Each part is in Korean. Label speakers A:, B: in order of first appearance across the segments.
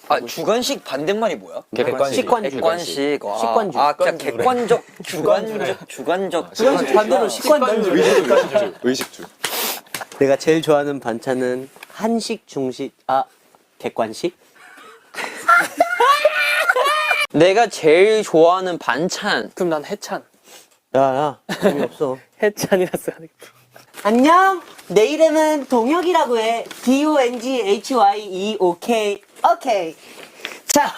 A: 아 주관식 반대말이 뭐야?
B: 객관식.
A: 식관식.
C: 객관식.
B: 식관주.
A: 아 그냥 객관적 주관적
B: 반대로 식관주.
D: 의식주.
B: 내가 제일 좋아하는 반찬은 한식, 중식, 객관식?
C: 내가 제일 좋아하는 반찬.
E: 그럼 난 해찬.
B: 야, 재미없어.
E: 해찬이라 써야 돼.
B: 안녕! 내 이름은 동혁이라고 해. DONGHYEOK. 오케이. 자.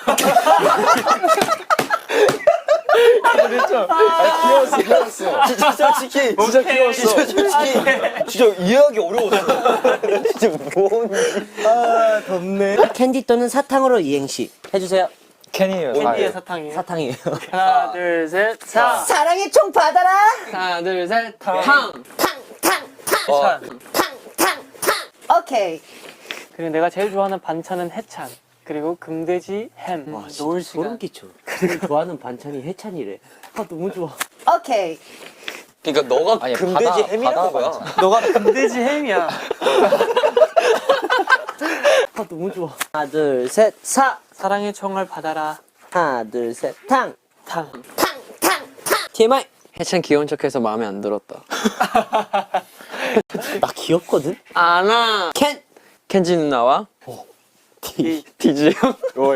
D: 귀여웠어.
A: 진짜 솔직히
D: 진짜 귀여웠어.
A: 진짜 솔직히 진짜 이해하기 어려웠어. 진짜 뭔지.
B: 덥네. 캔디 또는 사탕으로 이행시 해주세요.
A: 캔이에요.
E: 캔디의 사탕이에요.
B: 사탕이에요.
E: 하나, 둘, 셋, 사.
B: 사랑의 총 받아라!
E: 하나, 둘, 셋, 탕.
A: 어.
B: 오케이.
E: 그리고 내가 제일 좋아하는 반찬은 해찬. 그리고 금돼지 햄. 노을 시간.
B: 소름 끼쳐. 그리고 좋아하는 반찬이 해찬이래. 너무 좋아. 오케이.
A: 그러니까 너가
D: 아니,
A: 금돼지
D: 바다
A: 햄이라는 거야.
E: 너가 금돼지 햄이야.
B: 너무 좋아. 하나, 둘, 셋, 사.
E: 사랑의 총을 받아라.
B: 하나, 둘, 셋, 탕.
E: 탕.
B: TMI.
C: 해찬 귀여운 척해서 마음에 안 들었다.
B: 나 귀엽거든?
C: 아나.
B: 캔.
C: 켄지 누나와
B: 디.
C: 디즈 형.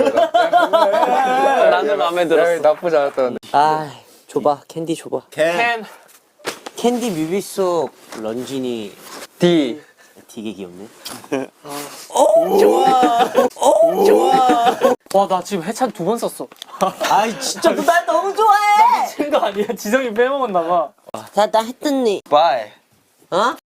C: 나는 마음에 들었어.
D: 나쁘지 않았다.
B: 아, 줘봐. 캔디 줘봐.
E: 캔.
B: 캔디 뮤비 속 런쥔이
C: 디.
B: 되게 귀엽네.
E: 와, 나 지금 해찬 2번 썼어.
B: 아이, 진짜 너 날 너무 좋아해!
E: 미친 거 아니야? 지성이 빼먹었나 봐.
B: 자, 나 했더니.
A: 바이.
B: 어?